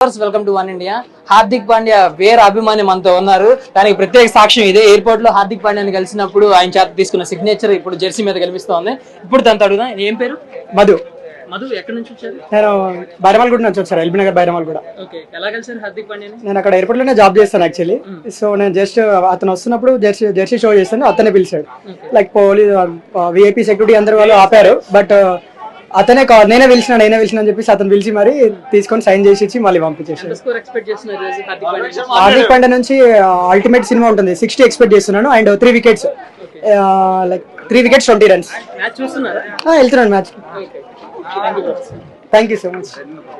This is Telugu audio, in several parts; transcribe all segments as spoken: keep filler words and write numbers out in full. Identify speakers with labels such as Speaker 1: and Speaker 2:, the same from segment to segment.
Speaker 1: Viewers welcome to one India. Hardik Pandya వేరే అభిమాని మనతో ఉన్నారు. దానికి ప్రత్యేక సాక్ష్యం ఇదే. ఎయిర్పోర్ట్ లో హార్దిక్ పాండ్యాని కలిసినప్పుడు ఆయన చేత తీసుకున్న సిగ్నేచర్ ఇప్పుడు జెర్సీ మీద కనిపిస్తోంది. ఇప్పుడు తనతో అడుగుదా, ఏం పేరు?
Speaker 2: మధు.
Speaker 1: మధు ఎక్కడి నుంచి వచ్చారు?
Speaker 2: నేను బైరమల్గూడ నుంచి వచ్చాను, ఎల్బీ నగర్ బైరమల్గూడ.
Speaker 1: ఓకే, ఎలా కలిసారు హార్దిక్ పాండ్యాని?
Speaker 2: నేను అక్కడ ఎయిర్పోర్ట్ లోనే జాబ్ చేస్తాను యాక్చువల్లీ. సో నేను జస్ట్ అతను వస్తున్నప్పుడు జెర్సీ జెర్సీ షో చేస్తాను, అతనే పిలిచాడు. లైక్ పోలీస్ విఐపీ సెక్యూరిటీ అందరు వాళ్ళు ఆపారు, బట్ అతనే కాల్ నేనే పిలిచిన నేనే పిలిచిన అని చెప్పేసి అతను పిలిచి మరి తీసుకొని సైన్ చేసి ఇచ్చి మళ్ళీ పంపించేసాడు. హార్దిక్ పాండ్యా నుంచి అల్టిమేట్ సినిమా ఉంటుంది, సిక్స్టీ ఎక్స్పెక్ట్ చేస్తున్నాను. And three wickets like three wickets twenty runs. వెళ్తున్నాను match. Thank you so much.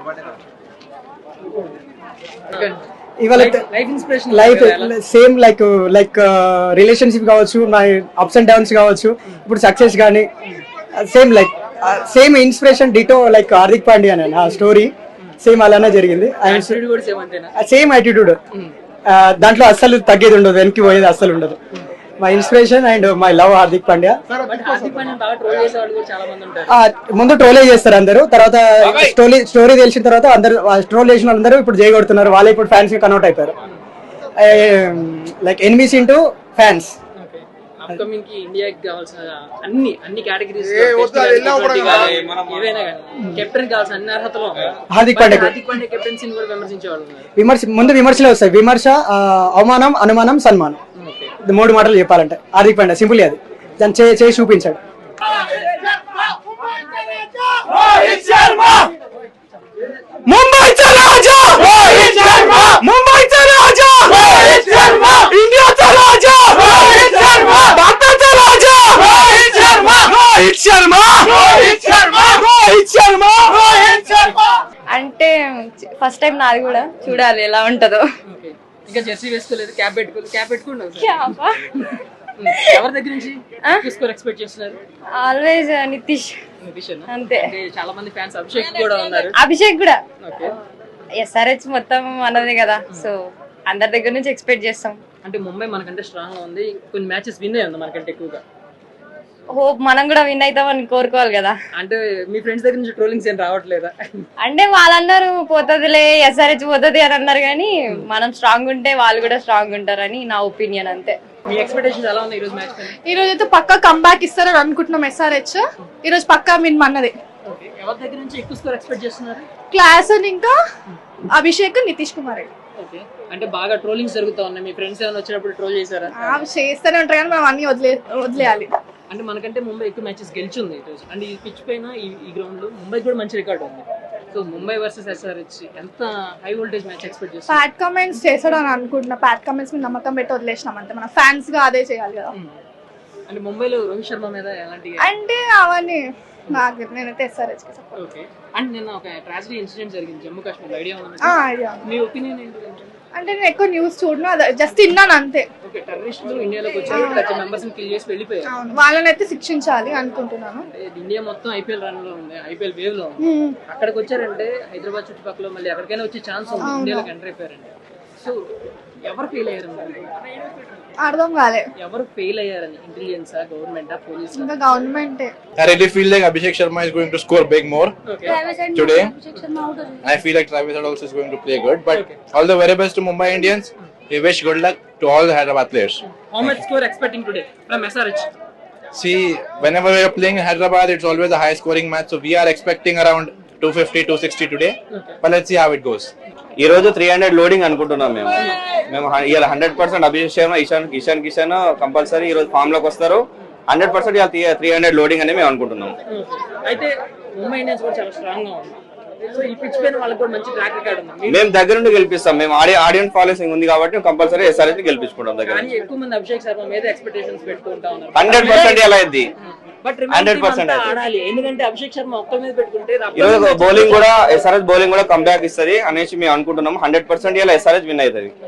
Speaker 2: ఇవాళ life same like like relationship కావచ్చు, మై అప్స్ అండ్ డౌన్స్ కావచ్చు, ఇప్పుడు సక్సెస్ కానీ same like same inspiration ditto like Hardik Pandya అని ఆ స్టోరీ సేమ్ అలానే జరిగింది. సేమ్ యాటిట్యూడ్, దాంట్లో అస్సలు తగ్గేది ఉండదు, వెనక్కి పోయేది అస్సలు ఉండదు. My inspiration and my love Hardik Pandya. ముందు ట్రోలే చేస్తారు అందరూ, తర్వాత స్టోరీ స్టోరీ తెలిసిన తర్వాత అందరూ ట్రోల్ చేసిన వాళ్ళందరూ ఇప్పుడు చేయగొడుతున్నారు. వాళ్ళే ఇప్పుడు ఫ్యాన్స్ కి కన్వర్ట్ అయిపోయారు. Like enemies into fans.
Speaker 1: Upcoming కి ఇండియాకి కావాల్సిన అన్ని అన్ని కేటగిరీస్ కెప్టెన్ కావాల్సిన అన్ని అర్హతలు
Speaker 2: హార్దిక్ పాండ్యా.
Speaker 1: హార్దిక్ పాండ్యా కెప్టెన్సీని కూడా విమర్శించేవాళ్ళు.
Speaker 2: విమర్శ ముందు విమర్శలే వస్తాయి, విమర్శ, అవమానం, అనుమానం, సన్మానం. మూడు మాటలు చెప్పాలంటే హార్దిక్ పాండ్యా సింపుల్ అది, దాన్ని చే చేసి చూపించాడు. ముంబైचा राजा रोहित शर्मा, मुंबईचा राजा रोहित शर्मा, इंडियाचा राजा रोहित शर्मा, भारताचा राजा रोहित शर्मा, रोहित शर्मा, रोहित शर्मा, रोहित शर्मा, रोहित शर्मा.
Speaker 3: అంటే ఫస్ట్ టైం నాది కూడా చూడాలి ఎలా ఉంటుందో.
Speaker 1: ఇంకా జెర్సీ వేసుకోలేదు, క్యాప్ పెట్టుకోలేదు. క్యాప్ పెట్టుకున్నావు ఎవరి దగ్గర నుంచి స్కోర్ ఎక్స్పెక్ట్ చేస్తున్నారు?
Speaker 3: ఆల్వేస్ నితీష్. అంతే.
Speaker 1: చాలా మంది ఫ్యాన్స్ అభిషేక్ కూడా ఉన్నారు.
Speaker 3: అభిషేక్ కూడా ఎస్ఆర్హెచ్ మొత్తం అన్నది కదా, సో అందరి దగ్గర నుంచి ఎక్స్పెక్ట్ చేస్తాం.
Speaker 1: అంటే ముంబై మనకంటే స్ట్రాంగ్ గా ఉంది, కొన్ని మ్యాచెస్ విన్ అయ్యింది మనకంటే ఎక్కువగా.
Speaker 3: హోప్ మనం కూడా విన్ అవుతామని కోరుకోవాలి కదా.
Speaker 1: అంటే మీ ఫ్రెండ్స్ దగ్గర నుంచి ట్రోలింగ్స్ ఏం రావట్లేదా?
Speaker 3: అంటే వాళ్ళందరూ పోతుందిలే ఎస్ఆర్హెచ్ పోతుంది అని అన్నారు, కానీ మనం స్ట్రాంగ్ ఉంటే వాళ్ళు కూడా స్ట్రాంగ్ ఉంటారని నా ఒపీనియన్. అంతే.
Speaker 1: మీ ఎక్స్పెక్టేషన్స్ ఎలా ఉన్నాయి ఈ రోజు మ్యాచ్ పైన?
Speaker 4: ఈ రోజు అయితే పక్కా కంబ్యాక్ ఇస్తారని అనుకుంటున్నాం ఎస్ఆర్హెచ్. ఈ రోజు పక్కా విన్ అన్నది.
Speaker 1: ఎవరి దగ్గర నుంచి ఎక్కువ స్కోర్ ఎక్స్పెక్ట్ చేస్తున్నారు?
Speaker 4: క్లాస్ అని ఇంకా అభిషేక్, నితీష్ కుమార్.
Speaker 1: ఓకే, అంటే బాగా ట్రోలింగ్స్ జరుగుతా ఉన్నాయి. మీ ఫ్రెండ్స్ ఏమైనా వచ్చినప్పుడు ట్రోల్ చేశారా?
Speaker 4: చేస్తూనే ఉంటారు కానీ మనం అన్ని వదిలే వదిలేయాలి.
Speaker 1: అంటే మనకంటే ముంబై ఎక్కువ మ్యాచెస్ గెలిచింది ఈ రోజు. అండ్ ఈ పిచ్ పైన ఈ గ్రౌండ్ లో ముంబై కూడా మంచి రికార్డ్ ఉంది. సో ముంబై వర్సెస్ ఎస్ఆర్హెచ్ ఎంత హై వోల్టేజ్ మ్యాచ్ ఎక్స్పెక్ట్ చేస్తారు?
Speaker 4: ప్యాట్ కామెంట్స్ చేస్తాడు అని అనుకుంటున్నా. ప్యాట్ కామెంట్స్ మీద నమ్మకం పెట్టి వదిలేసినాం అంతే. మన ఫ్యాన్స్ గా అదే చేయాలి కదా.
Speaker 1: అంటే ముంబైలో రోహిత్ శర్మ మీద ఎలాంటి
Speaker 4: అంటే అవన్నీ నాకు నేనైతే ఎస్ఆర్హెచ్ కి సపోర్ట్.
Speaker 1: ఓకే. అండ్ నిన్న ఒక ట్రాజడీ ఇన్సిడెంట్ జరిగింది జమ్మూ కాశ్మీర్, ఐడియా ఉందా?
Speaker 4: ఐడియా.
Speaker 1: మీ ఒపీనియన్ ఏంటి?
Speaker 4: అంటే నేను ఎక్కువ న్యూస్ చూడను, జస్ట్ విన్నాను అంతే.
Speaker 1: ఓకే, టెర్రరిస్టులు ఇండియాలోకి వచ్చారు, థర్టీ మెంబర్స్ ని కిల్ చేసి వెళ్ళిపోయారు.
Speaker 4: వాళ్ళని అయితే శిక్షించాలి అనుకుంటున్నాను.
Speaker 1: ఇండియా మొత్తం ఐపీఎల్ రన్ లో ఉంది, ఐపీఎల్ వేవ్ లో ఉంది. అక్కడికి వచ్చారంటే హైదరాబాద్ చుట్టుపక్కల మళ్ళీ ఎక్కడికైనా వచ్చే ఛాన్స్ ఉంది. ఇండియాలోకి ఎంటర్ అయిపోయారంటే సో ఎవరు ఫెయిల్ అయ్యారు?
Speaker 4: అర్థం కాలే.
Speaker 1: ఎవరు ఫెయిల్ అయ్యారని? Intelligence, government, police?
Speaker 4: ఇంకా government.
Speaker 5: I really feel like Abhishek Sharma is going to score big more
Speaker 1: okay.
Speaker 5: today. I feel like Travis Head also is going to play good. But okay. all the very best to Mumbai Indians. We wish good luck to all the Hyderabad players.
Speaker 1: How much score expecting today from S R H?
Speaker 5: See, whenever we are playing in Hyderabad, it's always a high scoring match. So we are expecting around two fifty, two sixty today. Okay. But let's see how it goes.
Speaker 6: ఈ రోజు త్రీ హండ్రెడ్ లోడింగ్ అనుకుంటున్నాం మేము మేము ఇవాళ hundred percent Abhishek Sharma, Ishan Kishan Kishan compulsory ఈ రోజు ఫామ్ లోకి వస్తారు. హండ్రెడ్ పర్సెంట్ ఇవాళ త్రీ హండ్రెడ్ లోడింగ్ అని మేము అనుకుంటున్నాం.
Speaker 1: అయితే ముంబై ఇండియన్స్ కూడా చాలా స్ట్రాంగ్ గా ఉంది. సో ఈ పిచ్ పైన వాళ్ళకి కూడా మంచి ట్రాక్ రికార్డ్ ఉంది.
Speaker 6: మేము దగ్గర నుండి గెలిపిస్తాం. మేము ఆడి ఆడియన్స్ ఫాలోయింగ్ ఉంది కాబట్టి కంపల్సరీ ఎస్ఆర్హెచ్ గెలిపించుకుంటాం దగ్గర.
Speaker 1: కానీ ఎక్కువ మంది అభిషేక్ శర్మ మీద ఎక్స్పెక్టేషన్స్ పెట్టుకుంటా ఉన్నారు.
Speaker 6: హండ్రెడ్ పర్సెంట్ ఎలా అయింది?
Speaker 1: హండ్రెడ్ పర్సెంట్ ఆడాలి, ఎందుకంటే అభిషేక్ శర్మ ఒక్క మీద పెట్టుకుంటే
Speaker 6: ఈ రోజు బౌలింగ్ కూడా ఎస్ఆర్హెచ్ బౌలింగ్ కూడా కంబ్యాక్ ఇస్తుంది అనేసి మేము అనుకుంటున్నాం. హండ్రెడ్ పర్సెంట్ ఇలా ఎస్ఆర్హెచ్ విన్ అవుతుంది.